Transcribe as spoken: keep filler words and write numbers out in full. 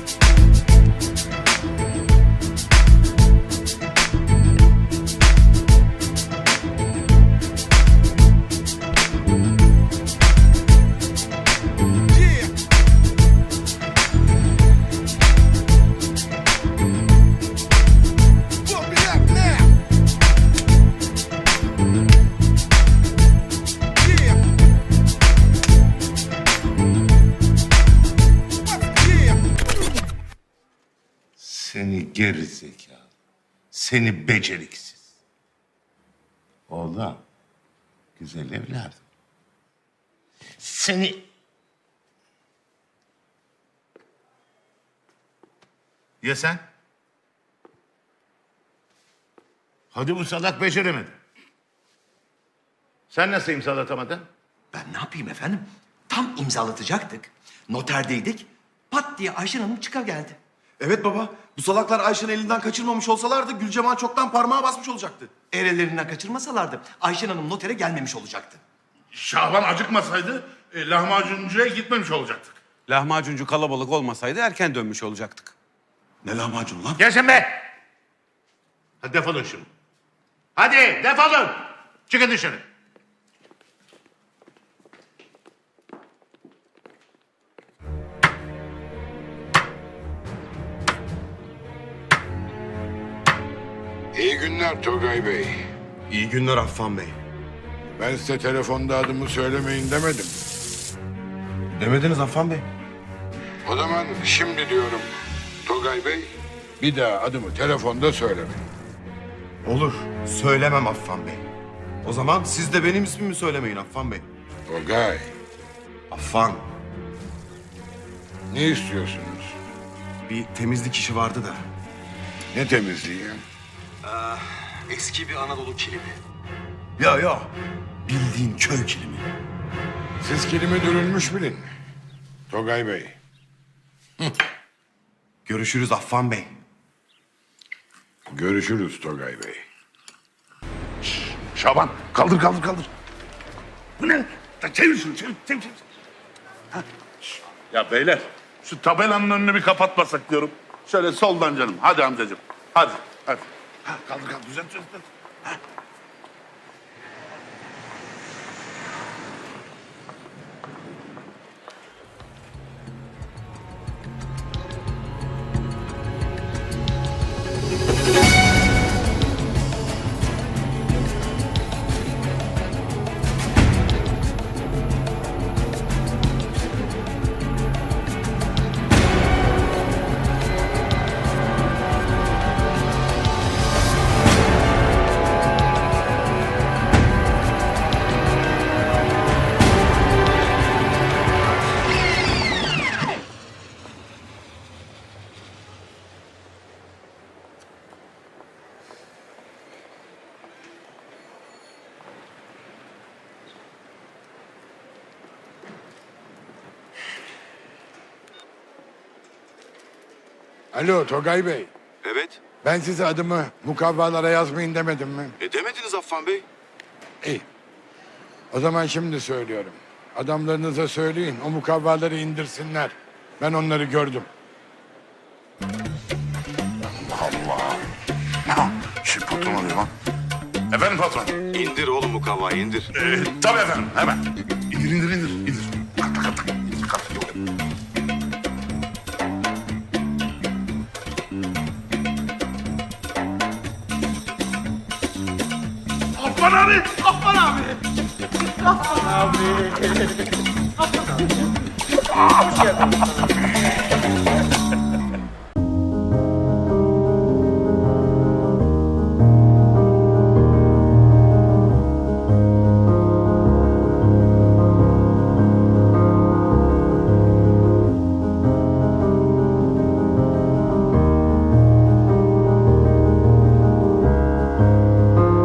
Seni geri zekalı, seni beceriksiz. Oğlum, güzel evladım. Seni... Ya sen? Hadi bu salak beceremedi. Sen nasıl imzalatamadın? Ben ne yapayım efendim? Tam imzalatacaktık. Noterdeydik. Pat diye Ayşen Hanım çıkageldi. Evet baba. Bu salaklar Ayşe'nin elinden kaçırmamış olsalardı Gülcemal çoktan parmağı basmış olacaktı. Eğer ellerinden kaçırmasalardı Ayşen Hanım notere gelmemiş olacaktı. Şaban acıkmasaydı e, lahmacuncuya gitmemiş olacaktık. Lahmacuncu kalabalık olmasaydı erken dönmüş olacaktık. Ne lahmacun lan? Gelsin be! Hadi defolun şimdi. Hadi defolun! Çıkın dışarı. İyi günler Togay Bey. İyi günler Affan Bey. Ben size telefonda adımı söylemeyin demedim. Demediniz Affan Bey. O zaman şimdi diyorum Togay Bey, bir daha adımı telefonda söylemeyin. Olur. Söylemem Affan Bey. O zaman siz de benim ismimi söylemeyin Affan Bey. Togay, Affan. ne istiyorsunuz? Bir temizlik işi vardı da. Ne temizliği? Eski bir Anadolu kilimi. Ya ya. Bildiğin köy kilimi. Siz kilimi dürülmüş bilin. Togay Bey, Görüşürüz Affan Bey. görüşürüz Togay Bey. Şaban kaldır kaldır kaldır. Bu ne? Ya çevir şunu çevir çevir. çevir. Ha. Ya beyler şu tabelanın önünü bir kapatmasak diyorum. Şöyle soldan canım. Hadi amcacığım. Hadi hadi. Ha, kaldır kaldır düzelt düzelt. Ha. Alo Togay Bey, Evet. ben size adımı mukavvalara yazmayın demedim mi? E demediniz Affan Bey. İyi. O zaman şimdi söylüyorum. Adamlarınıza söyleyin, o mukavvaları indirsinler. Ben onları gördüm. Şu patron arıyor lan. Efendim patron. İndir oğlum bu kavayı indir. Ee, tabii efendim hemen. İndir indir indir. indir. Kalk kalk kalk. İndir kalk. Yok. Affan abi! Affan abi! Affan abi! Affan abi! Hoş geldin.